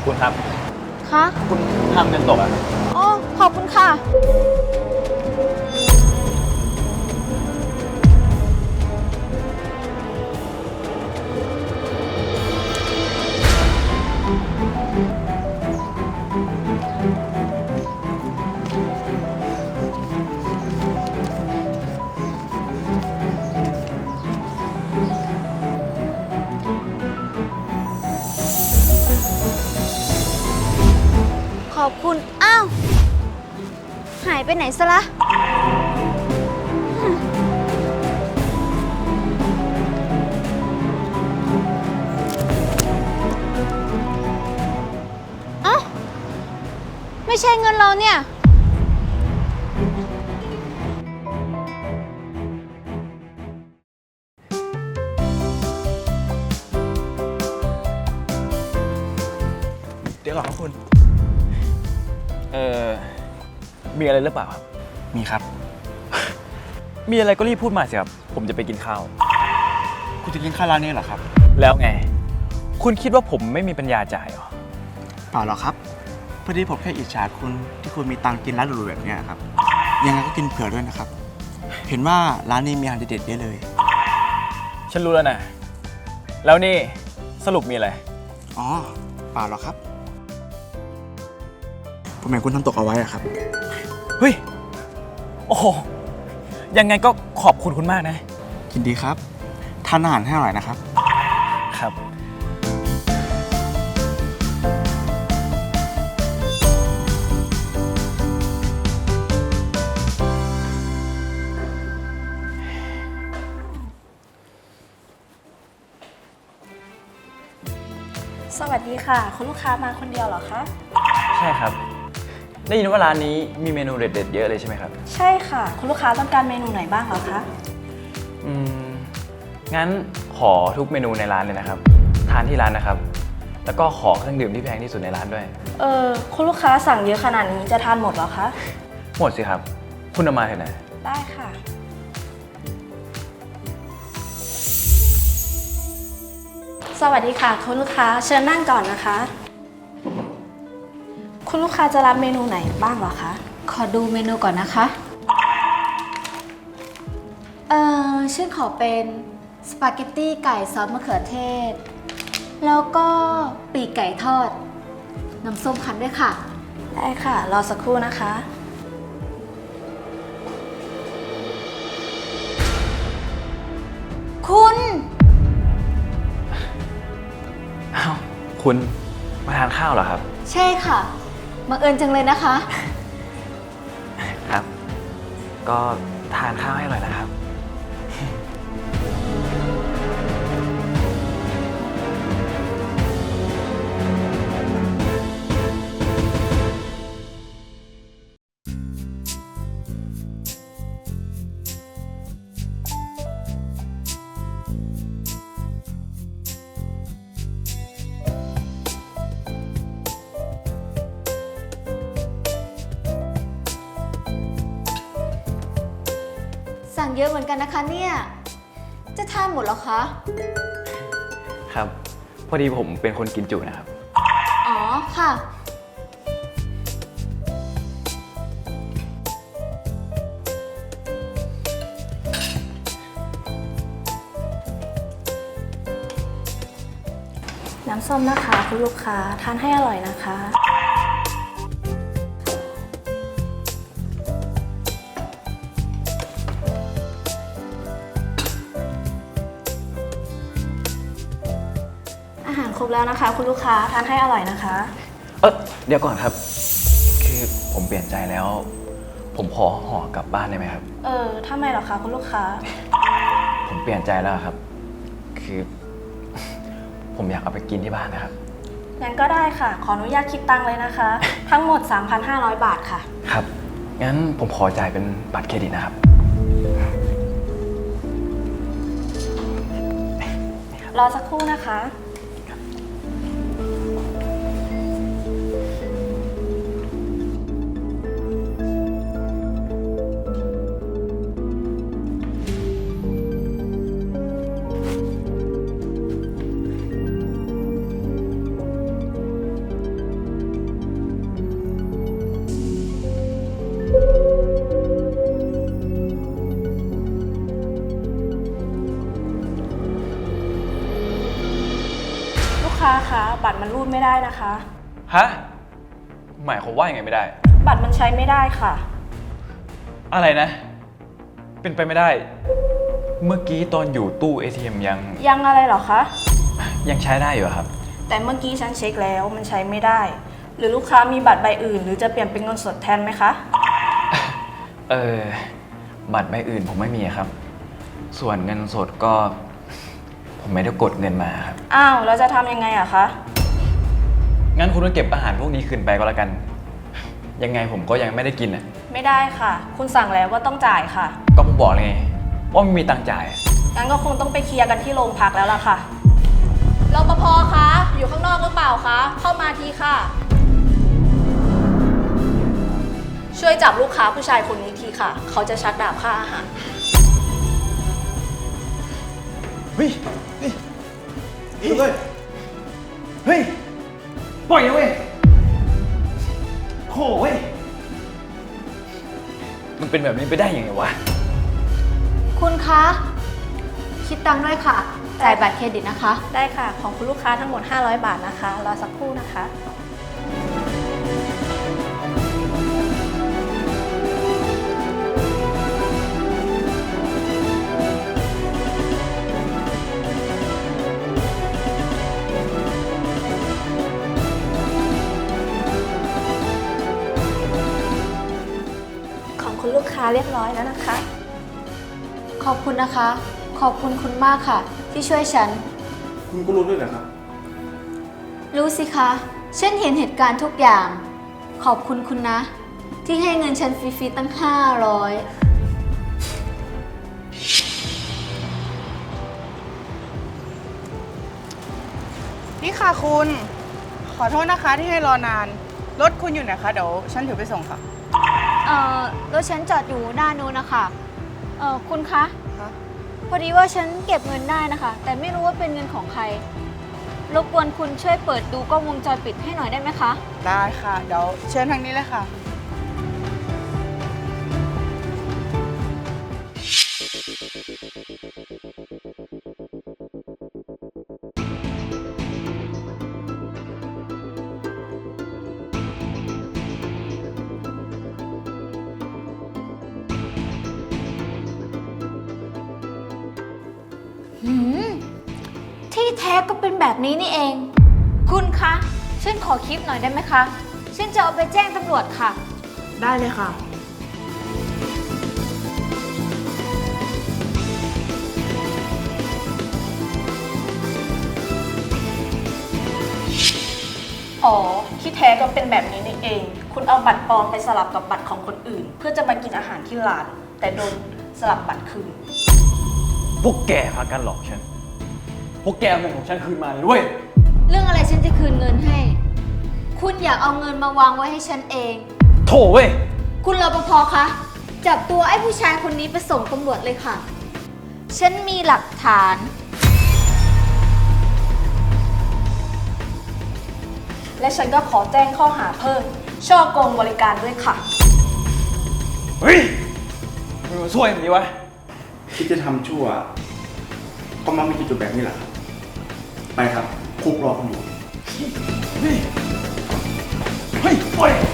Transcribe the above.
คุณครับคะคุณทำเงินตกอ่ะอ๋อ ขอบคุณค่ะ ขอบคุณ อ้าว หายไปไหนซะละเอ้า ไม่ใช่เงินเราเนี่ยเดี๋ยวก่อนครับคุณ มีอะไรหรือเปล่าครับมีครับมีอะไรก็รีบพูดมาสิครับ ผมจะไปกินข้าวคุณจะกินข้าวร้านนี้เหรอครับแล้วไง คุณคิดว่าผมไม่มีปัญญาจ่ายเหรอเปล่าหรอกครับ พอดีผมแค่อิจฉาคุณที่คุณมีตังค์กินร้านหรูๆแบบนี้ครับ ยังไงก็กินเผื่อด้วยนะครับ เห็นว่าร้านนี้มีอาหารเด็ดๆเยอะเลยฉันรู้แล้วนะ แล้วนี่สรุปมีอะไรอ๋อ เปล่าหรอกครับ ผมเห็นคุณทำตกเอาไว้อะครับเฮ้ย โอ้โห ยังไงก็ขอบคุณคุณมากนะยินดีครับ ทานอาหารให้อร่อยนะครับครับสวัสดีค่ะ คุณลูกค้ามาคนเดียวเหรอคะใช่ครับ ได้ยินว่าร้านนี้มีเมนูเด็ดๆเยอะเลยใช่ไหมครับใช่ค่ะ คุณลูกค้าต้องการเมนูไหนบ้างเหรอคะอืม งั้นขอทุกเมนูในร้านเลยนะครับ ทานที่ร้านนะครับ แล้วก็ขอเครื่องดื่มที่แพงที่สุดในร้านด้วยคุณลูกค้าสั่งเยอะขนาดนี้จะทานหมดเหรอคะหมดสิครับ คุณเอามาเถอะนะได้ค่ะ สวัสดีค่ะ คุณลูกค้าเชิญนั่งก่อนนะคะ คุณลูกค้าจะรับเมนูไหนบ้างเหรอคะขอดูเมนูก่อนนะคะ ฉันขอเป็นสปาเกตตี้ไก่ซอสมะเขือเทศ แล้วก็ปีกไก่ทอด น้ำส้มคั้นด้วยค่ะได้ค่ะ รอสักครู่นะคะคุณอ้าว คุณมาทานข้าวเหรอครับใช่ค่ะบังเอิญจังเลยนะคะครับ ก็ทานข้าวให้อร่อยนะครับสั่งเยอะเหมือนกันนะคะเนี่ย จะทานหมดเหรอคะครับ พอดีผมเป็นคนกินจุนะครับอ๋อค่ะน้ำส้มนะคะ คุณลูกค้าทานให้อร่อยนะคะ อาหารครบแล้วนะคะ คุณลูกค้าทานให้อร่อยนะคะเดี๋ยวก่อนครับ คือผมเปลี่ยนใจแล้ว ผมขอห่อกลับบ้านได้ไหมครับทำไมเหรอคะคุณลูกค้าผมเปลี่ยนใจแล้วครับ คือ ผมอยากเอาไปกินที่บ้านนะครับงั้นก็ได้ค่ะ ขออนุญาตคิดตังค์เลยนะคะ ทั้งหมด 3,500 บาทค่ะครับ งั้นผมขอจ่ายเป็นบัตรเครดิตนะครับรอสักครู่นะคะคค้าคะบัตรมันรูดไม่ได้นะคะฮะ หมายความว่ายังไงไม่ได้บัตรมันใช้ไม่ได้ค่ะอะไรนะ เป็นไปไม่ได้ เมื่อกี้ตอนอยู่ตู้ ATM ยังอะไรเหรอคะยังใช้ได้อยู่อะครับแต่เมื่อกี้ฉันเช็คแล้วมันใช้ไม่ได้ หรือลูกค้ามีบัตรใบอื่น หรือจะเปลี่ยนเป็นเงินสดแทนไหมคะบัตรใบอื่นผมไม่มีครับ ส่วนเงินสดก็ ผมไม่ได้กดเงินมาครับอ้าวแล้วจะทำยังไงอะคะงั้นคุณก็เก็บอาหารพวกนี้คืนไปก็แล้วกัน ยังไงผมก็ยังไม่ได้กินอ่ะไม่ได้ค่ะ คุณสั่งแล้วว่าต้องจ่ายค่ะก็ผมบอกเลยไงว่าไม่มีตังค์จ่ายอะงั้นก็คงต้องไปเคลียร์กันที่โรงพักแล้วล่ะค่ะรปภคะ อยู่ข้างนอกหรือเปล่าคะ เข้ามาทีค่ะ ช่วยจับลูกค้าผู้ชายคนนี้ทีค่ะ เขาจะชักดาบค่าอาหารเฮ้ยเฮ้ยเฮ้ย ปล่อยนะเว้ยโถ่เว้ย มันเป็นแบบนี้ไปได้ยังไงวะคุณคะ คิดตังค์ด้วยค่ะ จ่ายบัตรเครดิตนะคะได้ค่ะ ของคุณลูกค้าทั้งหมด 500 บาทนะคะ รอสักครู่นะคะ ของคุณลูกค้าเรียบร้อยแล้วนะคะขอบคุณนะคะ ขอบคุณคุณมากค่ะ ที่ช่วยฉันคุณก็รู้ด้วยเหรอครับรู้สิคะ ฉันเห็นเหตุการณ์ทุกอย่าง ขอบคุณคุณนะ ที่ให้เงินฉันฟรีๆตั้ง 500 นี่ค่ะคุณ ขอโทษนะคะที่ให้รอนาน รถคุณอยู่ไหนคะ เดี๋ยวฉันถือไปส่งค่ะรถฉันจอดอยู่ด้านนู้นนะคะ คุณคะคะพอดีว่าฉันเก็บเงินได้นะคะ แต่ไม่รู้ว่าเป็นเงินของใคร รบกวนคุณช่วยเปิดดูกล้องวงจรปิดให้หน่อยได้ไหมคะได้ค่ะ เดี๋ยวเชิญทางนี้เลยค่ะที่แท้ก็เป็นแบบนี้นี่เอง คุณคะ ฉันขอคลิปหน่อยได้ไหมคะ ฉันจะเอาไปแจ้งตำรวจค่ะได้เลยค่ะอ๋อ ที่แท้ก็เป็นแบบนี้นี่เอง คุณเอาบัตรปลอมไปสลับกับบัตรของคนอื่น เพื่อจะมากินอาหารที่ร้าน แต่โดนสลับบัตรคืนพวกแกพากันหลอกฉัน พวกแกเอาเงินของฉันคืนมาเลยด้วยเรื่องอะไรฉันจะคืนเงินให้ คุณอยากเอาเงินมาวางไว้ให้ฉันเองโถ่เว้ยคุณรปภคะ จับตัวไอ้ผู้ชายคนนี้ไปส่งตำรวจเลยค่ะ ฉันมีหลักฐานและฉันก็ขอแจ้งข้อหาเพิ่ม ช่อโกงบริการด้วยค่ะเฮ้ยมึงมาช่วยมันดีวะคิดจะทำชั่ว ก็มักมีจุดๆแบบนี้แหละครับ ไปครับ คุกรอคุณอยู่เฮ้ย ปล่อย